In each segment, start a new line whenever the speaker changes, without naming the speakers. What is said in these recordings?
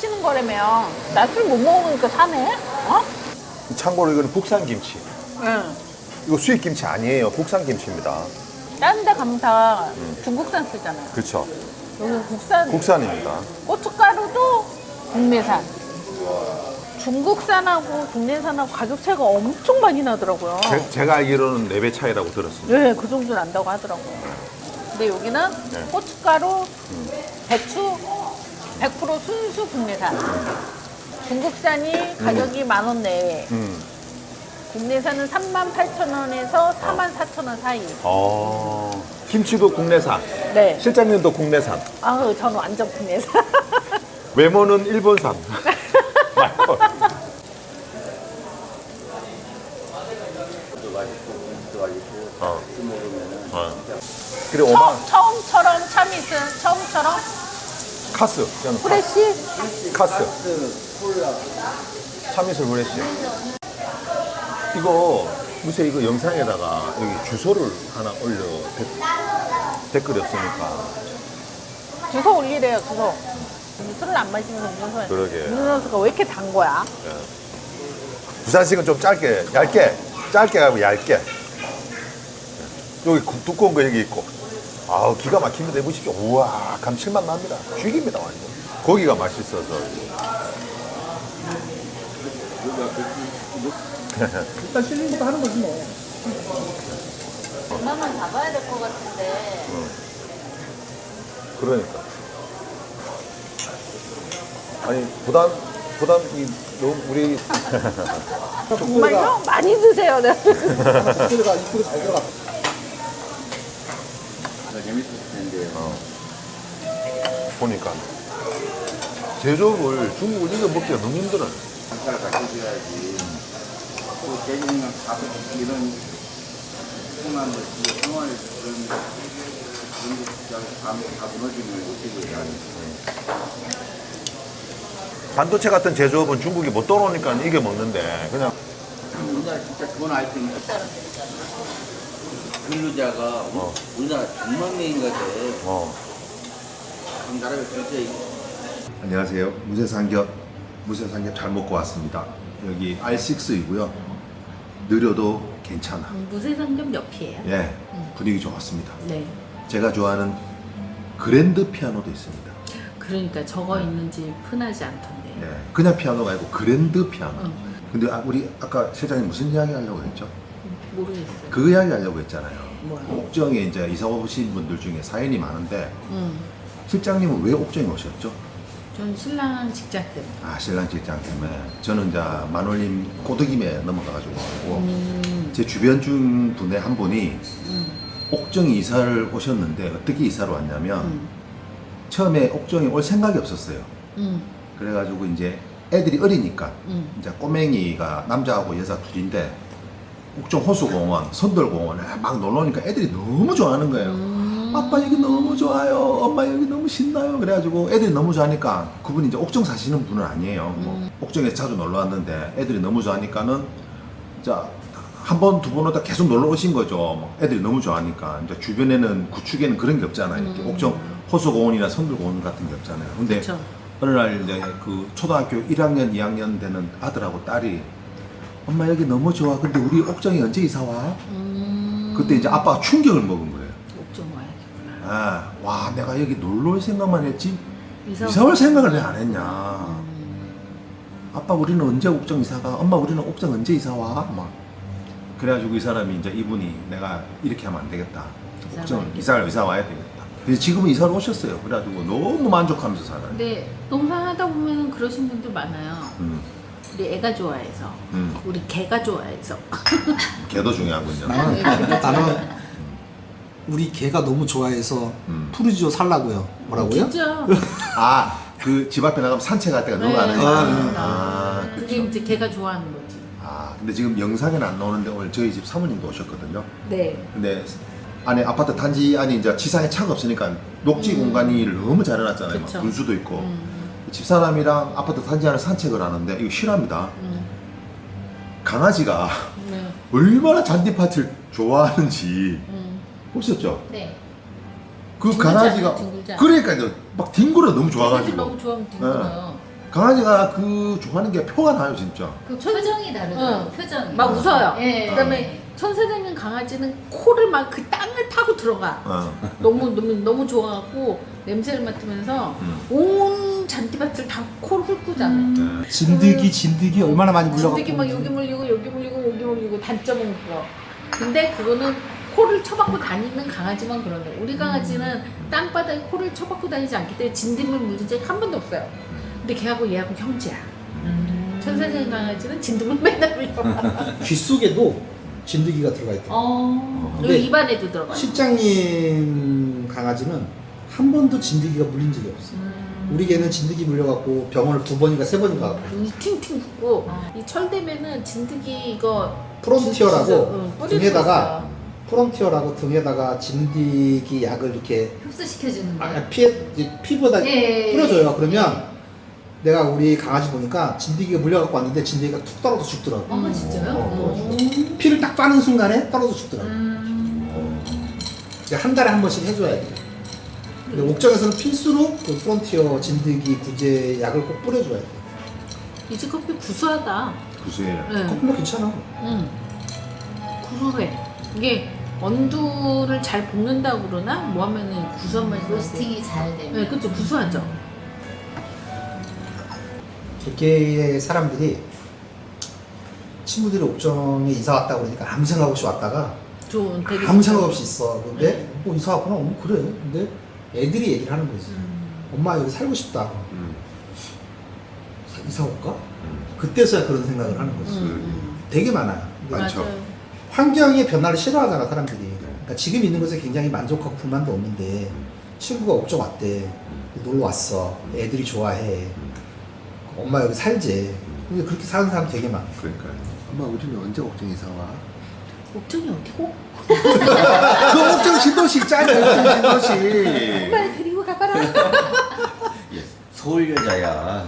사시는 거라며. 나 술 못 먹으니까 사네? 어?
참고로 이거는 국산 김치.
응.
이거 수입 김치 아니에요. 국산 김치입니다.
다른 데 가면 다 중국산 쓰잖아요.
그렇죠.
여기 국산.
국산입니다.
고춧가루도 국내산. 중국산하고 국내산하고 가격 차이가 엄청 많이 나더라고요.
제가 알기로는 4배 차이라고 들었습니다.
네, 그 정도 난다고 하더라고요. 근데 여기는
네.
고춧가루, 배추 100% 순수 국내산. 중국산이 가격이 10,000원 내외. 국내산은 38,000원에서 44,000원 사이.
김치도 국내산.
네.
실장님도 국내산.
아우, 저는 완전 국내산.
외모는 일본산. 말고. 그리고
처음처럼 참이슬, 처음처럼
카스. 저는
프레쉬.
카스. 참이슬 프레쉬. 이거 무슨 이거 영상에다가 여기 주소를 하나 올려 댓글이 없으니까.
주소 올리래요, 주소. 술을 안 마시면서 음료수.
그러게.
음료수가 왜 이렇게 단 거야?
부산식은 좀 짧게 하고 얇게. 여기 두꺼운 거 여기 있고. 아우, 기가 막힙니다. 해보십시오. 우와, 감칠맛 납니다. 죽입니다, 완전. 고기가 맛있어서.
일단 실링부터 하는 거지 뭐.
얼마만 잡아야 될 것 같은데.
그러니까. 아니, 너무 우리.
정말요? 많이 드세요. 네.
소리가 입구로 잘 들어갔다.
재밌었을 텐데요.
보니까. 제조업을 중국을 이거 먹기가 너무 힘들어요.
장사를 가르쳐줘야지. 또 대중이랑 이런 풍만 것이 생활에 그런 다 무너지면 어떻게 해야
반도체 같은 제조업은 중국이 못 떠오르니까 이겨 먹는데, 그냥.
우리나라 진짜 좋은 아이템이 근로자가 우리나라 100만 명인가 돼. 그럼 나라가 전체
안녕하세요. 무쇠삼겹 잘 먹고 왔습니다. 여기 R6이고요. 느려도 괜찮아.
무쇠상점 옆이에요.
예, 분위기 좋았습니다.
네.
제가 좋아하는 그랜드 피아노도 있습니다.
그러니까 저거 있는 집 흔하지 않던데.
예, 그냥 피아노가 아니고 그랜드 피아노. 근데 우리 아까 실장님 무슨 이야기 하려고 했죠?
모르겠어요.
그 이야기 하려고 했잖아요.
뭐요?
옥정에 이제 이사 오신 분들 중에 사연이 많은데 실장님은 왜 옥정에 오셨죠?
전 신랑 직장 때문에.
아, 신랑 직장 때문에. 저는 이제 만올림 꼬드김에 넘어가가지고 제 주변 중 분의 한 분이 옥정에 이사를 오셨는데 어떻게 이사를 왔냐면 처음에 옥정에 올 생각이 없었어요. 그래가지고 이제 애들이 어리니까 이제 꼬맹이가 남자하고 여자 둘인데 옥정 호수공원, 선돌공원에 막 놀러 오니까 애들이 너무 좋아하는 거예요. 아빠 여기 너무 좋아요. 엄마 여기 너무 신나요. 그래가지고 애들이 너무 좋아하니까 그분이 이제 옥정 사시는 분은 아니에요. 뭐 옥정에 자주 놀러 왔는데 애들이 너무 좋아하니까는 자, 한 번, 두 번 오다 계속 놀러 오신 거죠. 뭐 애들이 너무 좋아하니까. 이제 주변에는 구축에는 그런 게 없잖아요. 이렇게 옥정 호수공원이나 선돌공원 같은 게 없잖아요. 근데
그쵸.
어느 날 이제 그 초등학교 1학년, 2학년 되는 아들하고 딸이 엄마 여기 너무 좋아. 근데 우리 옥정에 언제 이사 와? 그때 이제 아빠가 충격을 먹은 거예요.
옥정 와야겠구나.
아, 와, 내가 여기 놀러 올 생각만 했지
이사
이사 올 생각을 왜 안 했냐. 아빠 우리는 언제 옥정 이사 가? 엄마 우리는 옥정 언제 이사 와? 막 그래가지고 이 사람이 이제 이분이 내가 이렇게 하면 안 되겠다. 옥정 이사 와야 되겠다. 그래서 지금은 이사를 오셨어요. 그래가지고 너무 만족하면서 살아요.
근데 농사 하다 보면 그러신 분들 많아요. 우리 애가 좋아해서, 우리 개가 좋아해서.
개도 중요하군요.
나는 우리 개가 너무 좋아해서 푸르지오 살라고요. 뭐라고요?
진짜.
아, 그 집 앞에 나가면 산책할 때가 너무 많아요.
그게 이제 개가 좋아하는 거지.
아, 근데 지금 영상에는 안 나오는데 오늘 저희 집 사모님도 오셨거든요.
네.
근데 안에 아파트 단지 안에 이제 지상에 차가 없으니까 녹지 공간을 너무 잘 해놨잖아요. 막
그쵸.
분수도 있고. 집사람이랑 아파트 단지 안에 산책을 하는데 이거 실화입니다. 강아지가
네.
얼마나 잔디밭을 좋아하는지 보셨죠?
네.
그
뒹굴잖아요,
강아지가
뒹굴잖아요.
그러니까요. 막 뒹굴어 너무
강아지
좋아가지고.
너무 좋아하면 뒹굴어요.
강아지가 그 좋아하는 게 표가 나요 진짜.
그 표정이 다르더라고요.
응.
표정이.
막 웃어요.
예.
그다음에 천사장님 강아지는 코를 막 그 땅을 파고 들어가.
어.
너무 좋아하고 냄새를 맡으면서 온 잔디밭을 다 코를 훑고 자네.
진드기 얼마나 많이 물려갖고.
진드기 막 여기 물리고 여기 물리고 여기 물리고 단점은 그거. 근데 그거는 코를 쳐박고 다니는 강아지만 그런데 우리 강아지는 땅바닥에 코를 쳐박고 다니지 않기 때문에 진드기를 물린 적이 한 번도 없어요. 근데 걔하고 얘하고 형제야. 천사장 강아지는 진드기를 맨날 물려.
귀 속에도 진드기가 들어가 있대요.
그리고 입안에도 들어가요.
실장님 강아지는 한 번도 진드기가 물린 적이 없어요. 우리 개는 진드기 물려갖고 병원을 2번인가 3번인가 가고.
눈이 팅팅 붓고 이 철되면은 진드기 이거
프론티어라고
뿌리는
등에다가
거
프론티어라고 등에다가 진드기 약을 이렇게
흡수시켜주는 거.
피부에다
예.
뿌려줘요. 그러면 내가 우리 강아지 보니까 진드기가 물려갖고 왔는데 진드기가 툭 떨어져 죽더라고.
진짜요?
피를 딱 빠는 순간에 떨어져 죽더라고. 한 달에 한 번씩 해줘야 돼. 근데 옥정에서는 필수로 그 프론티어 진드기 구제 약을 꼭 뿌려줘야 돼.
이제 커피 구수하다.
구수해요.
네.
커피 뭐 괜찮아.
구수해. 이게 원두를 잘 볶는다고 그러나 뭐 하면은 구수한 맛이 나고.
로스팅이 잘 되면.
네, 그렇죠. 구수하죠.
개개의 사람들이 친구들이 옥정에 이사 왔다 그러니까 아무 생각 없이 왔다가
좋은 되게
아무 생각 없이 있어. 근데 뭐 이사 왔구나. 그래. 근데 애들이 얘기를 하는 거지. 엄마 여기 살고 싶다. 이사 올까? 그때서야 그런 생각을 하는 거지. 되게 많아요. 근데
많죠.
맞아요.
환경의 변화를 싫어하잖아 사람들이. 그러니까 지금 있는 것에 굉장히 만족하고 불만도 없는데 친구가 옥정 왔대. 놀러 왔어. 애들이 좋아해. 엄마 여기 살지. 근데 그렇게 사는 사람 되게 많아.
그러니까요. 엄마 우리는 언제 옥정 이사 와?
옥정이 어디고?
그 옥정 신도시 있잖아요. 옥정 신도시.
엄마를 데리고 가봐라.
서울 여자야.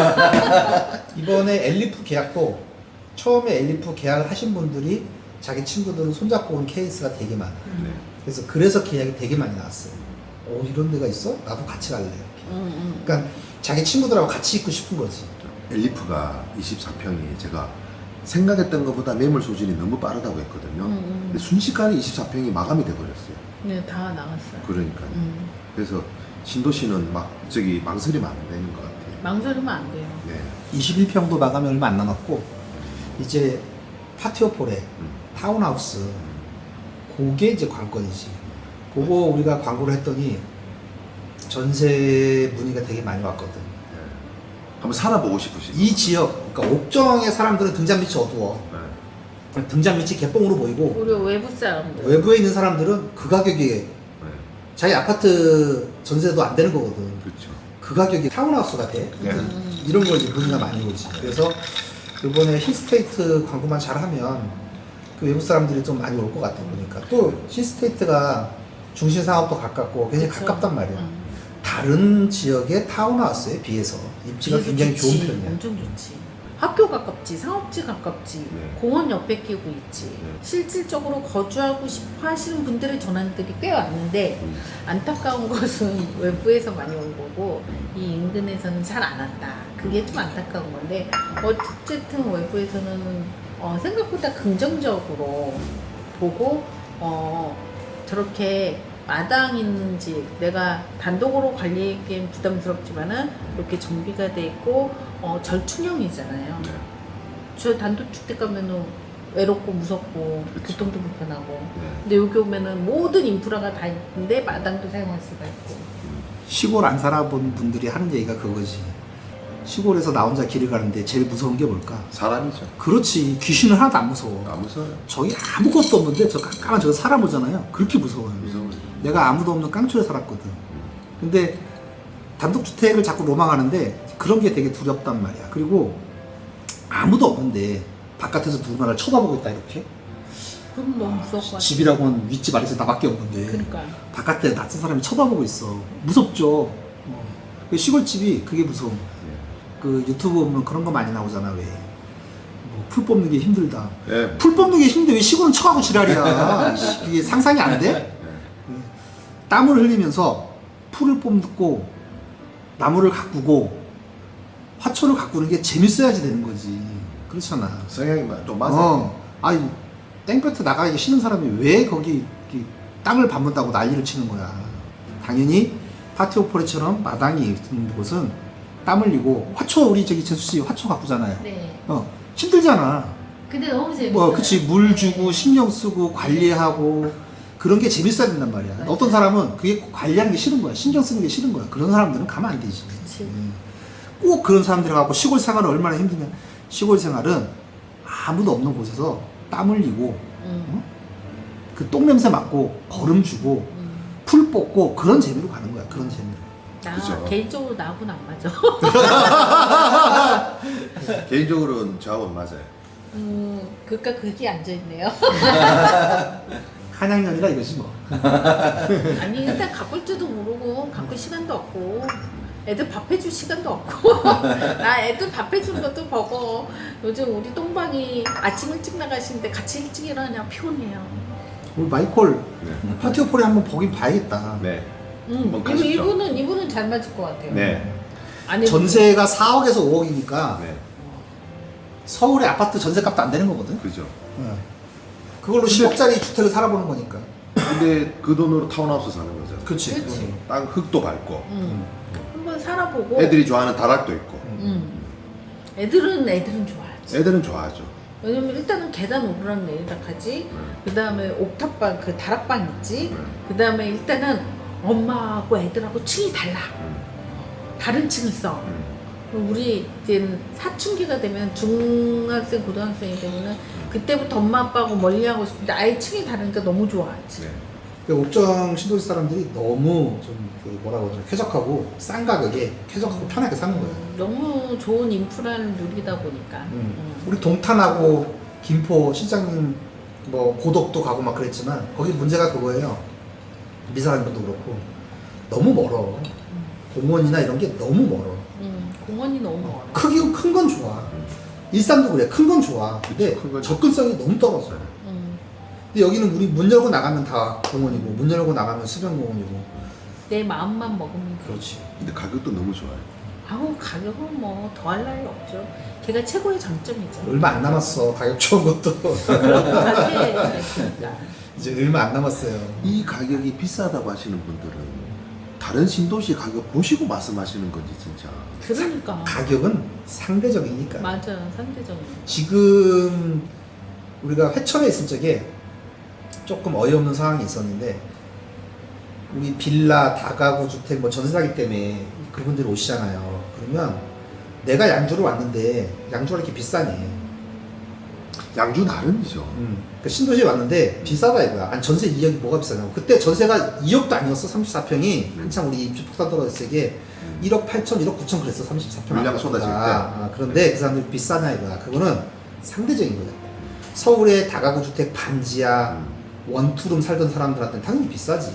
이번에 엘리프 계약도 처음에 엘리프 계약을 하신 분들이 자기 친구들은 손잡고 온 케이스가 되게 많아.
네.
그래서 계약이 되게 많이 나왔어요. 이런 데가 있어? 나도 같이 갈래. 이렇게. 그러니까 자기 친구들하고 같이 있고 싶은 거지.
엘리프가 24평이 제가 생각했던 것보다 매물 소진이 너무 빠르다고 했거든요. 근데 순식간에 24평이 마감이 돼버렸어요.
네, 다 나갔어요.
그러니까요. 그래서 신도시는 막 저기 망설이면 안 되는 것 같아요.
망설이면 안 돼요.
네.
21평도 마감이 얼마 안 남았고 이제 파티오폴에 타운하우스 그게 이제 관건이지. 그거 우리가 광고를 했더니 전세 문의가 되게 많이 왔거든.
한번 살아보고 싶으시죠?
이 지역, 그러니까 옥정의 사람들은 등잔 밑이 어두워.
네.
등잔 밑이 개뻥으로 보이고
우리 외부 사람들.
외부에 있는 사람들은 그 가격에
네.
자기 아파트 전세도 안 되는 거거든.
그렇죠.
그 가격이 타운하우스가 돼.
네.
이런 걸 이제 문의가 많이 오지. 그래서 이번에 힐스테이트 광고만 잘하면 그 외부 사람들이 좀 많이 올 것 같아 보니까. 또 힐스테이트가 중심 상업도 가깝고 굉장히
그쵸.
가깝단 말이야. 다른 지역의 타운하우스에 비해서 입지가
비해서
굉장히
좋지.
좋은 편이야.
엄청 좋지. 학교 가깝지, 상업지 가깝지,
네.
공원 옆에 끼고 있지.
네.
실질적으로 거주하고 싶어 하시는 분들의 전화들이 꽤 왔는데 안타까운 것은 외부에서 많이 온 거고 이 인근에서는 잘 안 왔다. 그게 좀 안타까운 건데 어쨌든 외부에서는 생각보다 긍정적으로 보고 저렇게 마당 있는 집, 내가 단독으로 관리하기엔 부담스럽지만은 이렇게 정비가 돼 있고 절충형이잖아요.
네.
저 단독주택 가면은 외롭고 무섭고
그쵸.
교통도 불편하고.
네.
근데 여기 오면은 모든 인프라가 다 있는데 마당도 사용할 수가 있고.
시골 안 살아본 분들이 하는 얘기가 그거지. 시골에서 나 혼자 길을 가는데 제일 무서운 게 뭘까?
사람이죠.
그렇지. 귀신은 하나도 안 무서워.
안 무서워요.
저기 아무것도 없는데 저 깜깜한 저 사람 오잖아요. 그렇게 무서워요.
무서워요.
내가 아무도 없는 깡초에 살았거든. 근데 단독주택을 자꾸 로망하는데 그런 게 되게 두렵단 말이야. 그리고 아무도 없는데 바깥에서 누군가를 쳐다보고 있다 이렇게.
그럼 너무 무서울 것 같아.
집이라고는 윗집 아래서 나밖에 없는데
그러니까.
바깥에 낯선 사람이 쳐다보고 있어. 무섭죠. 그 시골집이 그게 무서워. 그 유튜브 보면 그런 거 많이 나오잖아. 왜? 뭐 풀 뽑는 게 힘들다.
네.
풀 뽑는 게 힘든데 왜 시골은 쳐가고 지랄이야. 이게 상상이 안 돼? 땀을 흘리면서 풀을 뽑고 나무를 가꾸고 화초를 가꾸는 게 재밌어야지 되는 거지. 그렇잖아.
성향이 좀 맞아.
아니 땡볕에 나가기 싫은 사람이 왜 거기 이렇게 땅을 밟는다고 난리를 치는 거야. 당연히 파티오 포레처럼 마당이 있는 곳은 땀 흘리고 화초 우리 저기 재수 씨 화초 가꾸잖아요.
네.
힘들잖아.
근데 너무 재밌어요.
뭐 그치 물 주고 신경 쓰고 관리하고 그런 게 재밌어야 된단 말이야.
맞아요.
어떤 사람은 그게 관리하는 게 싫은 거야. 신경 쓰는 게 싫은 거야. 그런 사람들은 가면 안 되지.
그치.
꼭 그런 사람들이 갖고 시골 생활은 얼마나 힘드냐. 시골 생활은 아무도 없는 곳에서 땀 흘리고 그 똥 냄새 맡고 거름 주고 풀 뽑고 그런 재미로 가는 거야. 그런 재미로.
나
그죠.
개인적으로 나하고는 안 맞아.
개인적으로는 저하고는 맞아요.
그러니까 그게 앉아있네요.
한양년이라 이거지 뭐.
아니 일단 가꿀 줄도 모르고 가꿀 시간도 없고 애들 밥 해줄 시간도 없고 나 애들 밥 해주는 것도 버거. 요즘 우리 똥방이 아침 일찍 나가시는데 같이 일찍 일어나냐 피곤해요.
우리 마이콜
네.
파티오 포레 한번 보긴 봐야겠다.
네. 한번 가십시오.
이분은 잘 맞을 것 같아요.
네.
아니
전세가 4억에서 5억이니까
네.
서울의 아파트 전세값도 안 되는 거거든.
그죠.
그걸로 10억짜리 주택을 살아보는 거니까.
근데 그 돈으로 타운하우스 사는 거죠.
그렇지.
그치.
땅 흙도 밟고
한번 살아보고.
애들이 좋아하는 다락도 있고.
애들은 좋아하지.
애들은 좋아하죠.
왜냐면 일단은 계단 오르락 내리락 하지. 그 다음에 옥탑방 그 다락방 있지. 그 다음에 일단은 엄마하고 애들하고 층이 달라. 다른 층을 써. 우리 이제 사춘기가 되면 중학생 고등학생이 되면은 그때부터 엄마 아빠하고 멀리하고 싶은데 아예 층이 다르니까 너무 좋아하지.
네.
그 옥정 신도시 사람들이 너무 좀그 뭐라고 하죠? 쾌적하고 싼 가격에 쾌적하고 편하게 사는 거예요.
너무 좋은 인프라를 누리다 보니까.
우리 동탄하고 김포 시장님 뭐 고덕도 가고 막 그랬지만 거기 문제가 그거예요. 미사님도 그렇고 너무 멀어. 공원이나 이런 게 너무 멀어.
공원이 너무 멀어.
크기 큰 건 좋아. 일산도 그래. 큰 건 좋아. 근데
큰 건
접근성이 너무 떨어져. 근데 여기는 우리 문 열고 나가면 다 공원이고 문 열고 나가면 수변공원이고.
내 마음만 먹으면 돼.
그렇지.
근데 가격도 너무 좋아요.
아우 가격은 뭐 더할 나위 없죠. 걔가 최고의 장점이죠.
얼마 안 남았어. 가격 좋은 것도.
그런데 진짜.
이제 얼마 안 남았어요.
이 가격이 비싸다고 하시는 분들은 다른 신도시 가격 보시고 말씀하시는 건지 진짜.
그러니까.
가격은 상대적이니까.
맞아 상대적으로.
지금 우리가 회천에 있을 적에 조금 어이없는 상황이 있었는데 우리 빌라, 다가구 주택 뭐 전세 사기 때문에 그분들이 오시잖아요. 그러면 내가 양주를 왔는데 양주가 이렇게 비싸네.
양주 나름이죠.
그 신도시에 왔는데 비싸다 이거야. 아니 전세 2억이 뭐가 비싸냐고. 그때 전세가 2억도 아니었어. 34평이 한참 우리 입주 폭탄 떨어졌을 때 1억 8천, 1억 9천 그랬어. 34평.
물량 쏟아질 때.
그런데 그 사람들이 비싸냐 이거야. 그거는 상대적인 거야. 서울의 다가구 주택 반지하 원투룸 살던 사람들한테는 당연히 비싸지.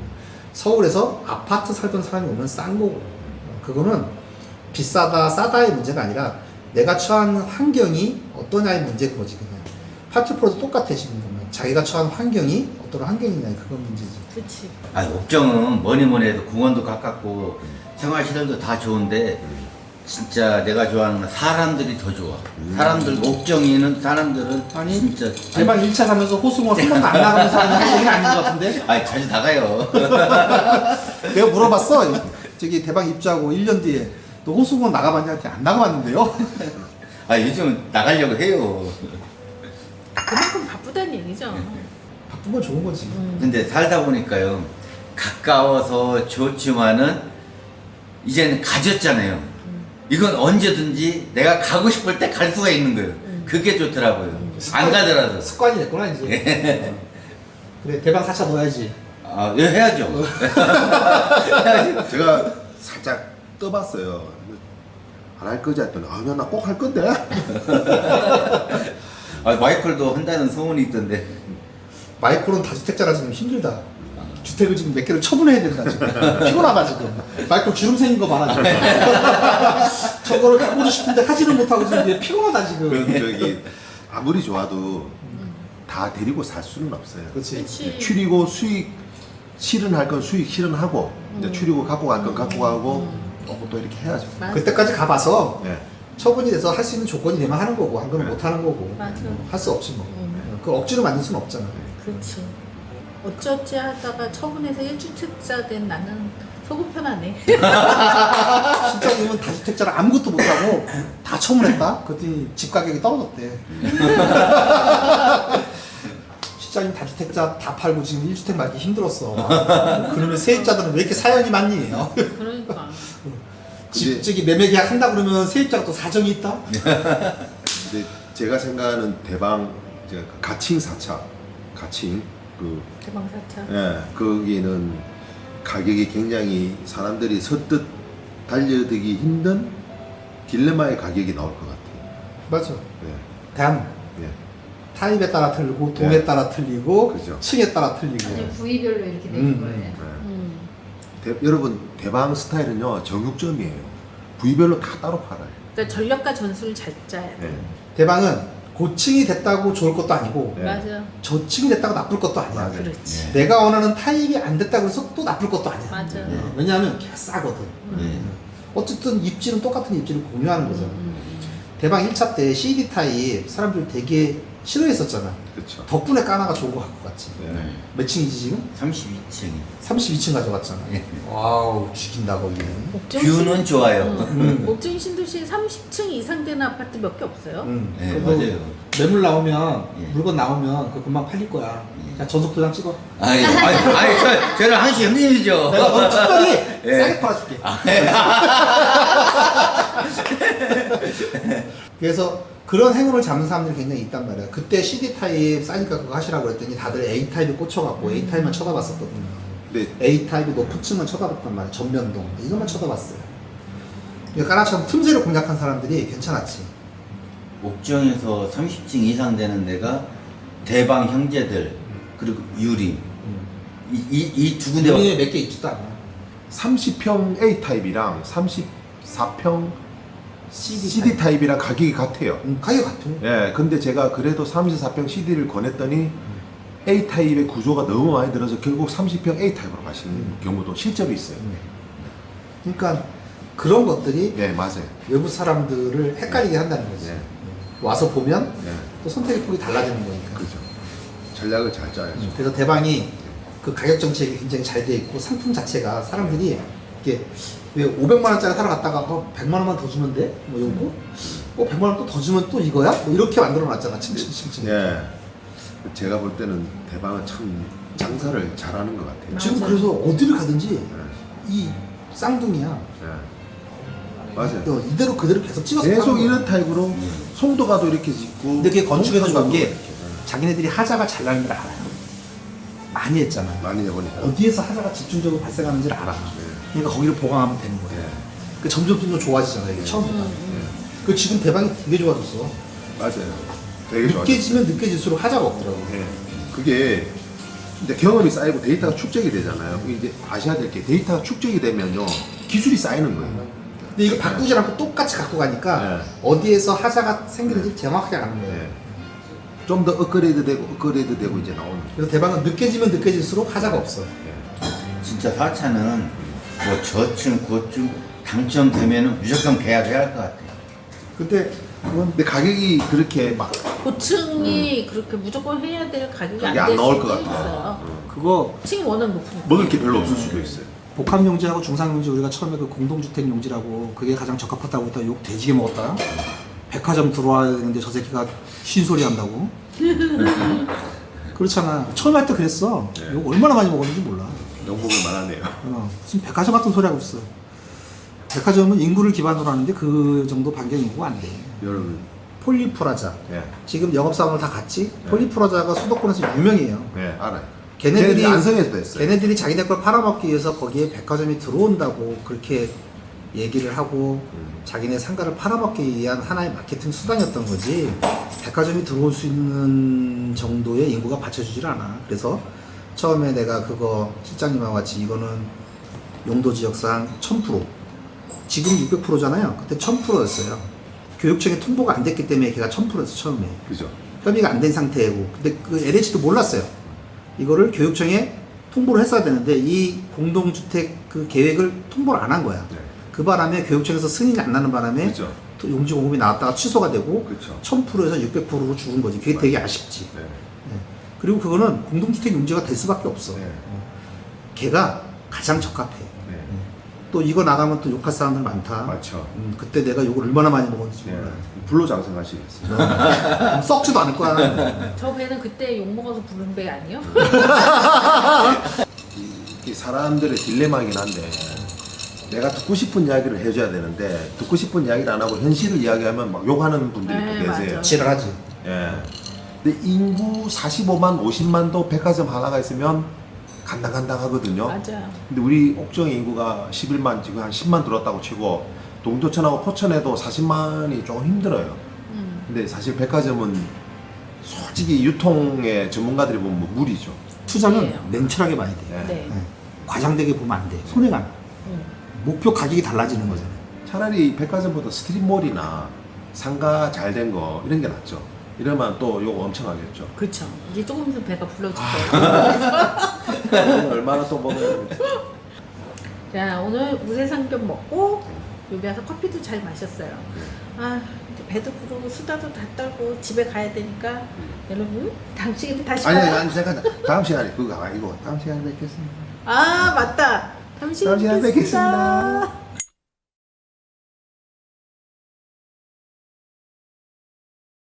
서울에서 아파트 살던 사람이 오면 싼 거고. 그거는 비싸다 싸다의 문제가 아니라 내가 처한 환경이 어떠냐의 문제 그거지. 그냥 파티프로도 똑같아 지금 보면 자기가 처한 환경이 어떤 환경이냐 그건 문제지.
그렇지.
아, 옥정은 뭐니 해도 공원도 가깝고 생활시설도 다 좋은데 진짜 내가 좋아하는 건 사람들이 더 좋아. 사람들 옥정이는 사람들은
아니,
진짜
대박 1차 사면서 호수공원 한 번도 안 나가면서 하는 한국인이 아닌 것 같은데?
아니 자주 나가요.
내가 물어봤어. 저기 대박 입주하고 1년 뒤에 너 호수공원 나가봤냐? 했더니 안 나가봤는데요?
아 요즘 나가려고 해요.
그만큼 바쁘다는 얘기죠.
바쁜 건 좋은 거지.
근데 살다 보니까요 가까워서 좋지만은 이제는 가졌잖아요. 이건 언제든지 내가 가고 싶을 때 갈 수가 있는 거예요. 그게 좋더라고요. 안 가더라도.
습관이 됐구나 이제. 그래 대박 4차 넣어야지.
아, 예, 해야죠.
제가 살짝 떠봤어요. 안 할 거지 했더니 나 꼭 할 건데.
아, 마이클도 한다는 소문이 있던데.
마이콜은 다주택자라 지금 힘들다. 주택을 지금 몇 개를 처분해야 된다 지금. 피곤하다 지금. 마이콜 주름 생긴 거 봐라 지금. 저거를 해보고 싶은데 하지는 못하고 지금 이제 피곤하다 지금.
저기 아무리 좋아도 다 데리고 살 수는 없어요.
그렇지.
그렇지.
추리고 수익 실현할 건 수익 실현하고 이제 추리고 갖고 갈 건 갖고 가고 오고 또 이렇게 해야죠.
맞아.
그때까지 가봐서
예.
처분이 돼서 할 수 있는 조건이 되면 하는 거고 한 거는
네.
못 하는 거고
맞아.
할 수 없지 뭐. 그 억지로 만들 수는 없잖아.
그렇지. 어찌어찌 하다가 처분해서 1주택자 된 나는 속은 편하네.
실장님은 다주택자를 아무것도 못하고 다 처분했다? 그랬더니 집 가격이 떨어졌대. 실장님 다주택자 다 팔고 지금 1주택 말기 힘들었어. 그러면 세입자들은 왜 이렇게 사연이 많니?
그러니까.
집 저기 매매 계약 한다 그러면 세입자가 또 사정이 있다?
근데 제가 생각하는 대방 제가 가칭 4차 가칭 그
대방사차.
예, 거기는 가격이 굉장히 사람들이 선뜻 달려들기 힘든 딜레마의 가격이 나올 것 같아요.
맞아.
예,
단
예.
타입에 따라 틀리고 동에
네.
따라 틀리고
그죠.
층에 따라 틀리고.
아주 부위별로 이렇게 되는 거예요.
예.
음.
여러분 대방 스타일은요 정육점이에요. 부위별로 다 따로 팔아요.
그러니까 전략과 전술을 잘 짜야 돼.
예.
대방은 고층이 됐다고 좋을 것도 아니고
네.
맞아.
저층이 됐다고 나쁠 것도 아니야.
맞아요.
그렇지.
내가 원하는 타입이 안 됐다고 해서 또 나쁠 것도 아니야.
맞아.
왜냐하면 걔가 싸거든.
예.
어쨌든 입지는 똑같은 입지를 공유하는 거잖아.
음.
대방 1차 때 CD 타입 사람들 되게 싫어했었잖아.
그렇죠.
덕분에 까나가 좋은 거 갖고 갔지.
예.
몇 층이지 지금?
32층.
32층 가져갔잖아.
예.
와우 죽인다 거기는.
뷰는 좋아요.
목중 신도시 30층 이상 되는 아파트 몇 개 없어요.
네,
그래도
맞아요.
매물 나오면
예.
물건 나오면 그 금방 팔릴 거야.
예.
자 전속 도장 찍어.
저는 한시 형님이죠.
내가 너 특별히
예.
싸게 팔아줄게. 그래서 그런 행운을 잡는 사람들이 굉장히 있단 말이야. 그때 CD 타입 싸니까 그거 하시라고 그랬더니 다들 A 타입에 꽂혀갖고 A 타입만 쳐다봤었거든요.
근데
A 타입이 높은 층만 쳐다봤단 말이야. 전면동 이것만 쳐다봤어요. 그러니까 까나처럼 틈새를 공략한 사람들이 괜찮았지.
옥정에서 30층 이상 되는 데가 대방 형제들 그리고 유림 이 두 군데
우리는 몇개 있지도 않아.
30평 A 타입이랑 34평 CD 타입이랑 가격이 같아요.
가격 같아.
예, 근데 제가 그래도 34평 CD를 권했더니 A 타입의 구조가 너무 많이 들어서 결국 30평 A 타입으로 가시는 경우도 실제로 있어요.
그러니까 그런 것들이
예, 맞아요.
외부 사람들을 헷갈리게 한다는 거지.
예,
와서 보면
예,
또 선택의 폭이 달라지는 거니까.
그죠. 전략을 잘 짜야죠.
그래서 대방이 그 가격 정책이 굉장히 잘 돼 있고 상품 자체가 사람들이 이게 왜 500만 원짜리 사러 갔다가 100만 원만 더 주면 돼? 뭐 요거? 100만 원 또 더 주면 또 이거야? 뭐 이렇게 만들어 놨잖아. 층층층층.
예, 제가 볼 때는 대방은 참 장사를 잘하는 것 같아요.
지금
맞아요.
그래서 어디를 가든지
예,
이 쌍둥이야.
예. 맞아요.
이대로 그대로 계속 찍어서
계속
파는 거야.
이런 타입으로 송도가도 이렇게 짓고.
근데 그게 건축에서 좋은 게
이렇게.
자기네들이 하자가 잘 나는 걸 알아요. 많이 했잖아.
많이 해보니까.
어디에서 하자가 집중적으로 발생하는지를 알아. 그러니까 거기를 보강하면 되는 거야.
예,
그 점점 좋아지잖아 이게 처음보다. 그 지금 대방이 되게 좋아졌어.
맞아요. 되게 좋아요.
늦게지면 늦게질수록 하자가 없더라고.
예, 그게 이제 경험이 쌓이고 데이터가 축적이 되잖아요. 이제 아셔야 될 게 데이터가 축적이 되면요 기술이 쌓이는 거예요.
근데 이거 바꾸지 않고 똑같이 갖고 가니까
네.
어디에서 하자가 생기는지 정확하게 아는 거예요.
예. 좀 더 업그레이드 되고 이제 나오는.
그래서 대방은 늦게지면 늦게질수록 하자가 없어.
예.
진짜 4차는 뭐 저층 고층 당첨되면은 무조건 계약해야 할 것 같아요.
근데 그건
근데 가격이 그렇게 막
고층이 그렇게 무조건 해야 될 가격이
가격이
안
안
될
나올
수도
것 같아요.
있어요.
그거
층이 워낙 높으니까.
먹을 게 별로 없을 수도 있어요.
복합용지하고 중상용지 우리가 처음에 그 공동주택 용지라고 그게 가장 적합하다고 했다 욕 돼지게 먹었다. 백화점 들어와야 되는데 저 새끼가 쉰소리 한다고. 그렇잖아. 처음 할 때 그랬어.
네.
욕 얼마나 많이 먹었는지 몰라.
영국을 말하네요.
무슨 백화점 같은 소리 하고 있어. 백화점은 인구를 기반으로 하는데 그 정도 반경 인구가 안 돼.
여러분,
폴리프라자.
예,
지금 영업사원을 다 갔지? 폴리프라자가 수도권에서 유명해요.
예, 알아요.
걔네들이
안성에서도 했어요.
걔네들이 자기네 걸 팔아먹기 위해서 거기에 백화점이 들어온다고 그렇게 얘기를 하고 자기네 상가를 팔아먹기 위한 하나의 마케팅 수단이었던 거지 백화점이 들어올 수 있는 정도의 인구가 받쳐주질 않아. 그래서 처음에 내가 그거 실장님하고 같이 이거는 용도 지역상 1000%, 지금 600%잖아요. 그때 1000%였어요. 교육청에 통보가 안 됐기 때문에 걔가 1000%였어 처음에.
그죠.
협의가 안 된 상태고. 근데 그 LH도 몰랐어요. 이거를 교육청에 통보를 했어야 되는데 이 공동주택 그 계획을 통보를 안 한 거야.
네.
그 바람에 교육청에서 승인이 안 나는 바람에
그렇죠.
또 용지 공급이 나왔다가 취소가 되고
그렇죠.
1000%에서 600%로 죽은 거지. 그게 되게 아쉽지.
네.
네. 그리고 그거는 공동주택 용지가 될 수밖에 없어.
네.
걔가 가장 적합해.
네.
또 이거 나가면 또 욕할 사람들 많다.
맞죠.
그때 내가 욕을 얼마나 많이 먹었는지
네.
몰라.
불로장생하시겠어요.
썩지도 않을 거야.
저 배는 그때 욕 먹어서 부른 배 아니에요?
이 사람들의 딜레마이긴 한데 내가 듣고 싶은 이야기를 해줘야 되는데 듣고 싶은 이야기를 안 하고 현실을 이야기하면 막 욕하는 분들이
네,
계세요.
맞아.
지랄하지.
예. 근데 인구 45만, 50만도 백화점 하나가 있으면 간당간당하거든요.
맞아.
근데 우리 옥정의 인구가 11만, 지금 한 10만 들었다고 치고 동두천하고 포천에도 40만이 조금 힘들어요. 근데 사실 백화점은 솔직히 유통의 전문가들이 보면 뭐 무리죠.
투자는
네.
냉철하게 봐야 돼.
예.
네.
네. 과장되게 보면 안 돼. 손해가 나. 목표 가격이 달라지는 거잖아.
차라리 백화점보다 스트릿몰이나 상가 잘 된 거 이런 게 낫죠. 이러면 또 요거 엄청 하겠죠.
그렇죠. 이제 조금 있으면 배가 불러줄 거예요.
오늘 얼마나 또 먹어야
자, 오늘 우세상겹 먹고 여기 와서 커피도 잘 마셨어요. 아, 이제 배도 부르고 수다도 다 떨고 집에 가야 되니까 여러분 다음 시간에 다시
아니
봐요.
아니 잠깐 다음 시간에 그거 아니고 다음 시간에 뵙겠습니다.
아, 맞다. 다음 시간에
다음 시간에
뵙겠습니다.
뵙겠습니다.